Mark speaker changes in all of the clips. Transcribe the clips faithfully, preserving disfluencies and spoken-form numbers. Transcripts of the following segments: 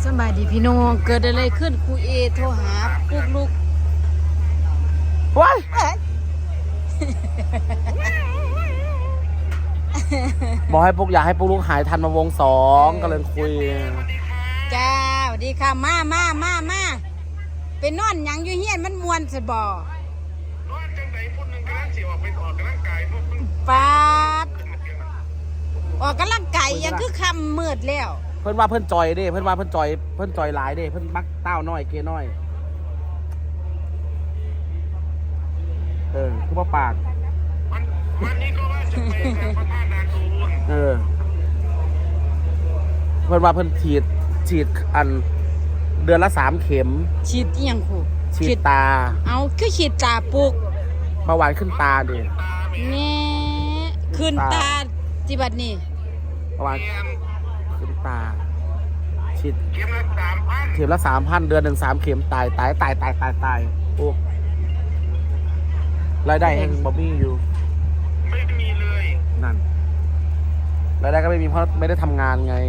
Speaker 1: สบายดีพี่น้องเกิดอะไรขึ้นครูเอโทรหาพวกลูก
Speaker 2: ว้ายบอกให้ปุ๊กอยากให้ปุ๊กลูกหายทันมาวงสองก็เลยคุย
Speaker 1: จ้าสวัสดีค่ะมามามามาเป็นนอนยังอยู่เฮียนมันมวนสบอน
Speaker 3: อนจังไหนพุ่นนึงกำลังสิออกไปออกกำลังกายพวก
Speaker 1: ปาดออกกำลังกายยังคือคำมืดแล้ว
Speaker 2: เพื่อนว่าเพื่อนจอยเด้เพื่อนว่าเพื่อนจอยเพื่อนจอยหลายเด้เพื่อนมักเต้าน้อยเกน้อยเออคือว่าปาก
Speaker 3: วันวันนี้ก็ว่าจะไปกับพระธาตุนาดูน
Speaker 2: เออเพื่อนว่าเพื่อนฉีดฉีดอันเดือนละสามเข็ม
Speaker 1: ฉีดยังครู
Speaker 2: ฉีดตา
Speaker 1: เอาคือฉีดตาปุก
Speaker 2: เบาหวานขึ้นตาดิ
Speaker 1: แง่ขึ้นตาจิบัดนี่
Speaker 2: เบาหวานขึ้นตาฉีด
Speaker 3: เข็มละสามพัน
Speaker 2: เข็มละสามพันเดือนหนึ่งสามเข็มตายตายตายตายตายตายโอ้รายได้แห่งบ๊อบบี้อยู่
Speaker 3: ไม่มีเลย
Speaker 2: นั่นรายได้ก็ไม่มีเพราะไม่ได้ทำงานไง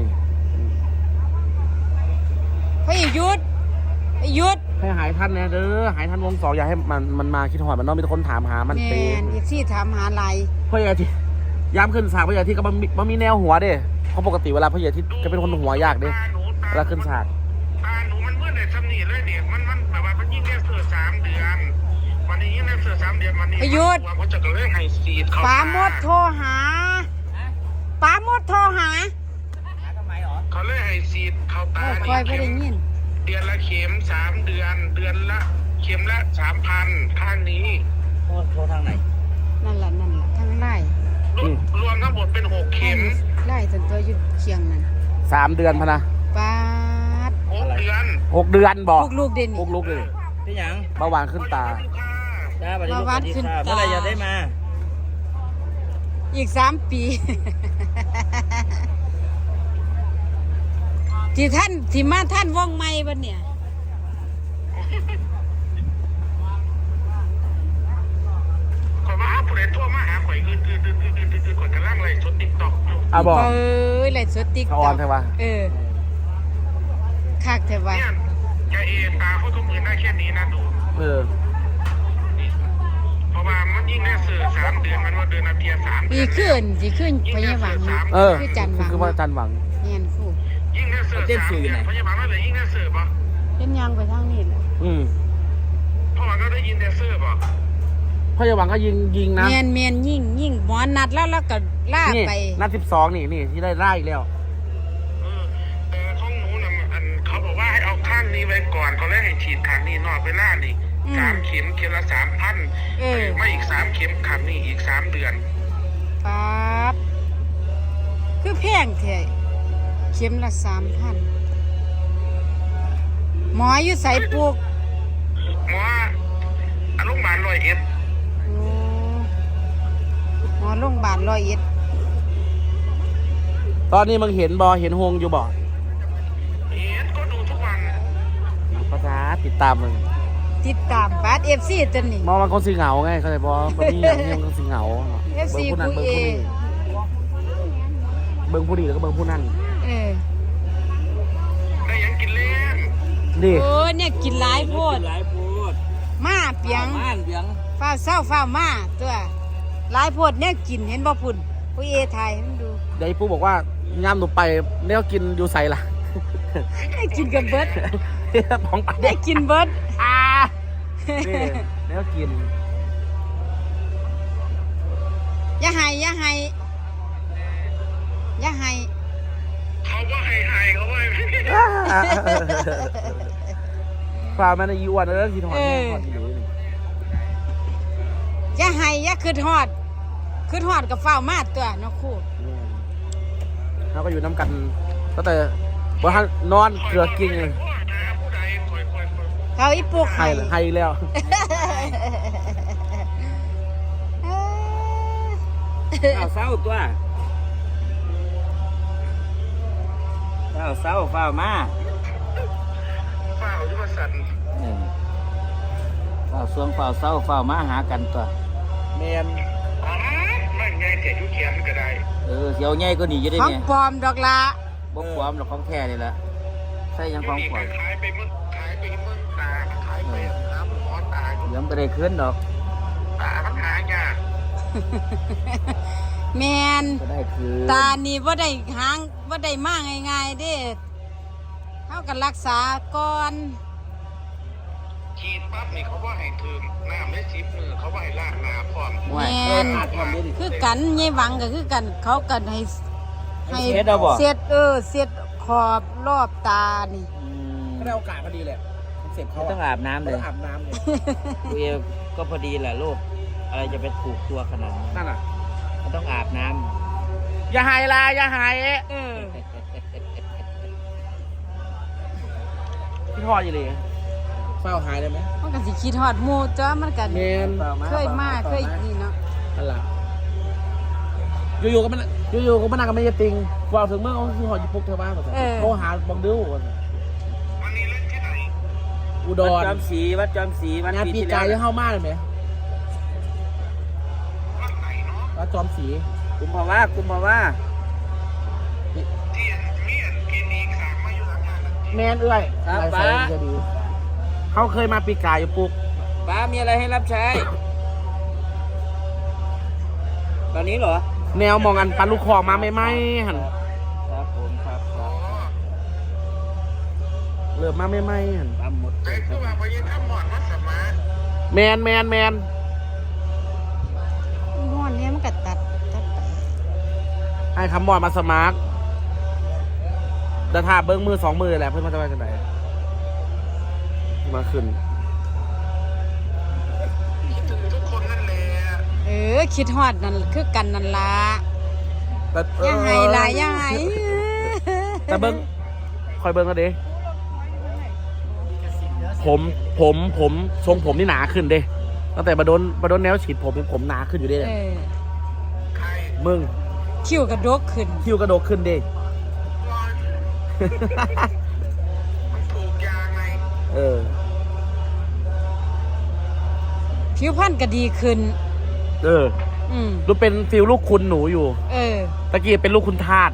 Speaker 1: พี่ยุดยุด
Speaker 2: ให้หายทันนะเด้อหายทันวงสองอย่าให้มันมันมาคิดหอดมันน้องมีคนถามหามันเตะ
Speaker 1: อีกที่ถามหาอะไร
Speaker 2: พ่อใหญ่ที่ย้ำขึ้นฉากพ่อใหญ่ที่ก็มันมันมีแนวหัวเด้เพราะปกติเวลาพ่อใหญ่ที่จะเป็นคนหัวยากเด้เวลาขึ้นฉาก
Speaker 3: ตาหนูมันเมื่อไหร่ทำนี่เลยเด็กมันมันแบบว่ามันยิ่งแค่เสือสามเดือนวันนี้ยิ่งแค่เสือสามเดือนวันนี้
Speaker 1: ยุด
Speaker 3: เขาจะก็เลยให้ซีดเขา
Speaker 1: ป้ามดโทรหาป้ามดโทรหา
Speaker 3: เขาเลยให้ซีดเขาตา
Speaker 1: คอยไปได้ยิน
Speaker 3: เดือนละเข็มสามเดือนเดือนละเข็มละสามพันข้างนี้
Speaker 2: โทรโทรทางไหน
Speaker 1: นั่นแหละนั่นแหละทางไล่
Speaker 3: รวมทั้งหมดเป็นหกเข็ม
Speaker 1: ไล่จนตัวยุดเคียงนั่น
Speaker 2: สามเดือนพะนะ
Speaker 1: ป้าด
Speaker 3: หกเดือน
Speaker 2: หกเดือนบอก
Speaker 1: พวกลูกเด่น
Speaker 2: พวกลูกเลย
Speaker 4: ที่ยัง
Speaker 2: เบาหวานขึ้นตา
Speaker 1: เบาหวานขึ้นตา
Speaker 4: เมื่อไรจะได้มา
Speaker 1: อีกสามปีที่ท่านที่มาท่านว่องไม่บ้านเนี่ย
Speaker 3: ข่อยมาหาผู้ใดโทรมาหาข่อยคือคือคือคือคือคือข่อยกำลังไล่สดติ๊กต็อกอยู่
Speaker 2: อ่ะบอก
Speaker 1: เอ้ยไล่สดติ๊กต็อก
Speaker 2: ออนใช่ปะ
Speaker 1: เออคักเถอะวะ
Speaker 3: เนี่ยแกเอตาเขาทุกมือได้แค่นี้นะดู
Speaker 2: เออ
Speaker 3: เพราะว่ามันยิ่งได้เสือสามเดือนมันว่าเดือนละเพียสาม
Speaker 1: ปีขึ้นปีขึ้นพยาหวัง
Speaker 2: เออ
Speaker 1: คือจันหวัง
Speaker 2: คือว่าจันหวัง
Speaker 1: เงียนคู่
Speaker 3: ยิ่งได้เสือสามเดือนพยาบาลนั่นเลยยิ่งได้เสือปะ
Speaker 1: เป็นยังไปทางนี้แหละ
Speaker 2: อืม
Speaker 3: เพราะว่าก็ได้ยินได้เสือปะ
Speaker 2: พยาหวังก็ยิงยิงนะ
Speaker 1: เมียนเมียนยิงยิงหมอนัดแล้วแล้วก็ล่าไป
Speaker 2: นัดสิบสองนี่นี่ที่ได้ไล่แล้ว
Speaker 3: เออแต่ข้องหนูน่ะอันเขาบอกว่าให้เอาข้างนี้ไว้ก่อนเขาเลยให้ฉีดข้างนี้นอกไปล่านี่สามเข็มเข็มละสามพันไม่อีกสามเข็มขับนี่อีกสามเดือน
Speaker 1: ปั๊บคือแพงแท้เข็มละสามพันหมออยู่ใส่ปลูก
Speaker 3: หมออารมณ์บาลร้อยเอ็ด
Speaker 1: หมอโรงพยาบาลร้อยเอ็ด
Speaker 2: ตอนนี้มึงเห็นบอเห็นฮงอยู่บ่
Speaker 3: เห็นก็ดูทุกวัน
Speaker 2: ภาษาติดตามมึง
Speaker 1: ติดตามบาสเอฟซีตัวนี้
Speaker 2: มองมันคนสีเหงาไงเข้าใจบ่บางทีอย่างนี้มันคนสีเหงา
Speaker 1: เอฟซีผู้เอ
Speaker 2: เบิ้งผู้ดีแล้วก็เบิ้งผู้นั่น
Speaker 1: เออ
Speaker 3: ได้ยังกินเล่น
Speaker 2: ดิ
Speaker 1: โอ้เนี่ยกินหลายโพด
Speaker 4: หลายโพด
Speaker 1: มาเปียง
Speaker 4: มาเปียง
Speaker 1: ฟ้าเศร้าฟ้ามาตัวหลายโพดเนี่ยกินเห็นบ่พุ่นผู้เอไทยมันดู
Speaker 2: เดี๋ยวปู่บอกว่าย่ำหนูไปเนี่ยกินอยู่ใส่ล่ะ
Speaker 1: ได้กินกับเบิร์ด
Speaker 2: ของ
Speaker 1: ได้กินเบิร์ด
Speaker 2: อ่าเนี่ยกิน
Speaker 1: อย่าให้อย่าให้อย่าให้
Speaker 3: เขาว่าให้ให้เขาว่า
Speaker 2: ฟ้ามันอายุวันแล้วกินหอดหอดอยู่นี่
Speaker 1: อย่าให้อย่าคืดหอดคืดหอดกับฟ้ามาตัวน้องคู่
Speaker 2: เขาก็อยู่น้ำกันก็แต่ว่าท่านนอนเกลือกินเลย
Speaker 1: เขาอีปุก
Speaker 2: ให้ให้แล้ว
Speaker 4: เอาเศร้าตัวเอาเศร้าเฝ้ามา
Speaker 3: เฝ้ายุบสัน
Speaker 4: เฝ้าสวงเฝ้าเศร้าเฝ้ามาหากันตัว
Speaker 2: แมน
Speaker 3: อ๋อไม่ไงเจ็ดยุเขียนก็ได้
Speaker 4: เออเสียวใหญ่ก็หนีอยู่ได้
Speaker 1: เนี่ยของปลอมดอกละ
Speaker 4: บ่ปลอมหรอกของแท้นี่แหละ
Speaker 2: ข
Speaker 4: ส่ยังของขวัญ
Speaker 3: ขายไปเมื่อขายไปเมื่อตาขายไปน้ำหมอตา
Speaker 4: เดี๋ยวมันก็ได้ขึ้นดอก
Speaker 3: ตามันหายาก
Speaker 1: แมน
Speaker 4: ก็ได้คือ
Speaker 1: ตานี่ว่าได้หางว่าได้มากง่ายๆเด้เท่ากันรักษาก่อน
Speaker 3: ฉีดปั๊บนี่เขาว่าให้ถึงน้ำได้สิบมือเขาว่าให้ลากนาพร้อม
Speaker 4: ห่วย
Speaker 1: แม่
Speaker 4: เออ
Speaker 1: น
Speaker 4: ขาดความดีดิ
Speaker 1: คือกันยายหวังก็คือกันเขากันให้ให้
Speaker 4: เฮ็ดเอาบ่
Speaker 1: เสียดเออเสียดขอบรอบตานี่
Speaker 4: อืม
Speaker 2: ก็ได้โอกาสพอดีแหละคอนเซ็ปต์เขา
Speaker 4: ไม่ต้องอาบน้ำเลย
Speaker 2: ต้องอาบน้ำเลย
Speaker 4: ตัวเองก็พอดีแหละลูกอะไรจะไปถูกตัวขนาดนั้น
Speaker 2: นั่นน่ะ
Speaker 4: มันต้องอาบน้
Speaker 2: อย่าหายลาอย่าหาย
Speaker 1: เออ
Speaker 2: พี่ทอดอยู่เลยเฝ้าหายได้ไหม
Speaker 1: มันก็สิคิดฮอดหมู่จ้ามันกัน
Speaker 2: เมน
Speaker 1: เคยมาเคยนี่เนาะ
Speaker 2: นั่นแหละอยู่ๆก็มันอยู่ๆก็มันนั่งกับไม่ยติงว่าถึงเมื่อเขาคือหอดญี่ปุ่นเธอบ้างก่อนโทรหาบังดิวก่อน
Speaker 3: วันนี้เล่นที่ไหน
Speaker 2: อุ
Speaker 4: ำ
Speaker 2: ด
Speaker 4: วัด
Speaker 2: ร
Speaker 4: จอมศรีวัดจอมศรีวัน
Speaker 2: งาน
Speaker 4: ปี
Speaker 2: ปี
Speaker 4: ที่
Speaker 2: กา
Speaker 4: แล้
Speaker 2: ยว ยังเข้ามากเลยไหม
Speaker 3: วันไหนเนาะ
Speaker 2: วัดจอมศรี
Speaker 4: กุมภาวะกุมภาวะ
Speaker 3: ที่เมียนกินอีกสามมาอยู่หลังงานนั้น
Speaker 2: แมนเอื้อย
Speaker 4: ครับ
Speaker 2: ลาย
Speaker 4: ป้า
Speaker 2: ไฟจะดีเขาเคยมาปีกายอยู่ปุ๊ก
Speaker 4: ป้ามีอะไรให้รับใช้ ตอนนี้เหรอ
Speaker 2: แนวมองอันปันลูกคอมาไม่ไหมหัน
Speaker 4: ครับผมครับค
Speaker 3: อ๋
Speaker 4: รั
Speaker 3: อบ
Speaker 2: เริ่มมาไม่ไหมหัน
Speaker 4: ปั๊มหมด
Speaker 3: แต่คือว่าพยัญชนะหมอนวัดสมาร์ท
Speaker 2: แมนแมนแมน
Speaker 1: นอนเนี่ยมันก็ตัดตัดไป
Speaker 2: ให้คำมอดมาสมาร์ทเดินทางเบิ้งมือสองมือแหละเพื่อนมาจะไปกันไหนมาขึ้น
Speaker 3: คิดถึงทุกคนนั่นแหละ
Speaker 1: เออคิดฮอดนั่นคือกันนั่นล่ะ
Speaker 2: แต่
Speaker 1: อย่าให้หลายอย่าให้
Speaker 2: แต่เบิ้งคอยเบิ้งกันดิผมผมผมทรงผมนี่หนาขึ้นเด้ตั้งแต่มาโดนมาโดนแนวฉีดผมผมหนาขึ้นอยู่เด้
Speaker 1: เออ
Speaker 3: ใคร
Speaker 2: มึง
Speaker 1: คิ้วกระดกขึ้น
Speaker 2: คิ้วกระโดดขึ้นเด้
Speaker 3: มันถูกยาไง
Speaker 2: เออ
Speaker 1: ผิวพรรณก็ดีขึ้น
Speaker 2: เออ
Speaker 1: อืม
Speaker 2: รู้เป็นฟิลลูกคุณหนูอยู่
Speaker 1: เออ
Speaker 2: ตะกี้เป็นลูกคุณทาส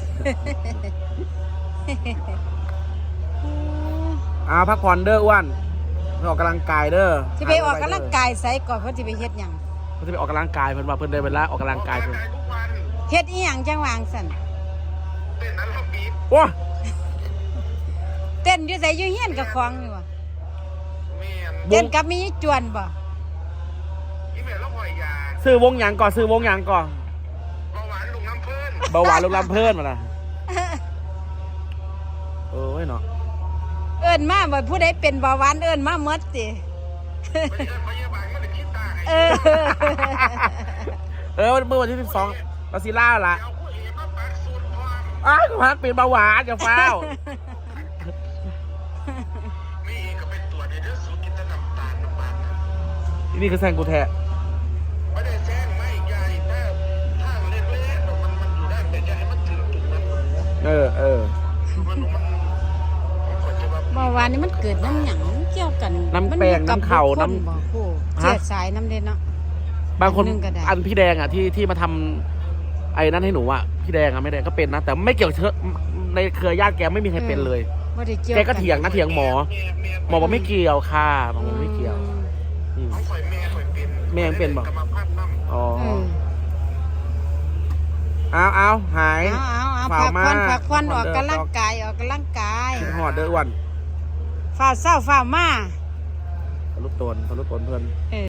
Speaker 2: อ้าวพักผ่อนเด้ออ้วนไปออกกำลังกายเด้อ
Speaker 1: ที่ไปออกกำลังกายไสก่อนเพิ่นสิไปเฮ็ดหยัง
Speaker 2: เพิ่นจะไปออกกำลังกายเพิ่นว่าเพิ่นได้เวลาออกกำลังกายเพิ่น
Speaker 3: ทุกวัน
Speaker 1: เฮ็ดอีหยังจังหวางสั่น
Speaker 3: เต้นนั้นเราบีบ
Speaker 2: โอ้
Speaker 1: เต้นอยู่ไสอยู่เฮียนกับของนี่บ่
Speaker 3: เมียน
Speaker 1: เต้นกับมีจวนบ่
Speaker 3: อีเมลแล้วปล่อยยา
Speaker 2: ซื้อวงหยังก่อนซื้อวงหยังก่อน
Speaker 3: เบาหวานลุงน้ำเพิ่น
Speaker 2: เบาหวานลูกลำเพิ่นมาละเออเนาะ
Speaker 1: เอิ้นมาบ่ผู้ใดเป็นเบาหวานเอิ้นมาหมดติ
Speaker 3: ไปเจอพยาบาลก็เลยคิดตาให้
Speaker 1: เออ
Speaker 2: เออเมื่อวันที่สิบสองลาซิล่าละ
Speaker 3: เอาผู้เอกมาปักสูตรความ
Speaker 2: อ้าวพันเป็นเบาหวานอย่าฟ้าว
Speaker 3: มีเอกก็เป็นตัวเดียวเดี๋ยวสูตรกินแต่น้ำตาลน้ำมันนะ
Speaker 2: นี่คือแซงกูแท้
Speaker 3: ไม่ได้แซงไม่ใหญ่แต่ทางเล็กๆมันมันอยู่ได้แต่จะให้มันถึงจุดนั้น
Speaker 2: เออเออ
Speaker 3: มันมันมันควรจะแบบ
Speaker 1: เบาหวานนี่มันเกิดน้ำหยังเกี่ยวกัน
Speaker 2: น้ำแปลง
Speaker 1: มัอยู่กับ
Speaker 2: น้ำเข่า
Speaker 1: บุคคล
Speaker 2: น้ำ
Speaker 1: บ่โอ้
Speaker 2: ฮะ
Speaker 1: เสียสายน้ำเด่นเนาะ
Speaker 2: บางคน
Speaker 1: อันหนึ่งก็ได้
Speaker 2: อันพี่แดงอ่ะที่ที่มาทำไอ้นั่นให้หนูอ่ะพี่แดงอ่ะไม่ได้ก็เป็นนะ แต่ไม่เกี่ยวเชื้อในเครือญาติแกไม่มีใครเป็นเลย
Speaker 1: บ่ได้เกี่ยว
Speaker 2: แกก็เถียงนะเถียงหมอ
Speaker 3: เมียเมีย
Speaker 2: หมอบอกไม่เกี่ยวค่ะหมอบอกไม่เกี่ยวอืม
Speaker 3: เขาข่อยแม่ข่อยเป็น
Speaker 2: แม่ยังเป็นบ่
Speaker 3: กรรมพันธุ์น้ำ
Speaker 2: อ๋อ
Speaker 1: เออ
Speaker 2: เอาเอาหาย
Speaker 1: เอาเอาเอา
Speaker 2: ฝ่า
Speaker 1: พัก
Speaker 2: มา
Speaker 1: ผ่อนพักผ่อน
Speaker 2: พั
Speaker 1: อก อก
Speaker 2: ผ่อนเด้อ
Speaker 1: กำลังกายออกกำลังกาย
Speaker 2: หอดเด้ออ้วัน
Speaker 1: ฝ่าเศร้าฝ่ามา
Speaker 2: ทะลุตนทะลุตนเพื่อน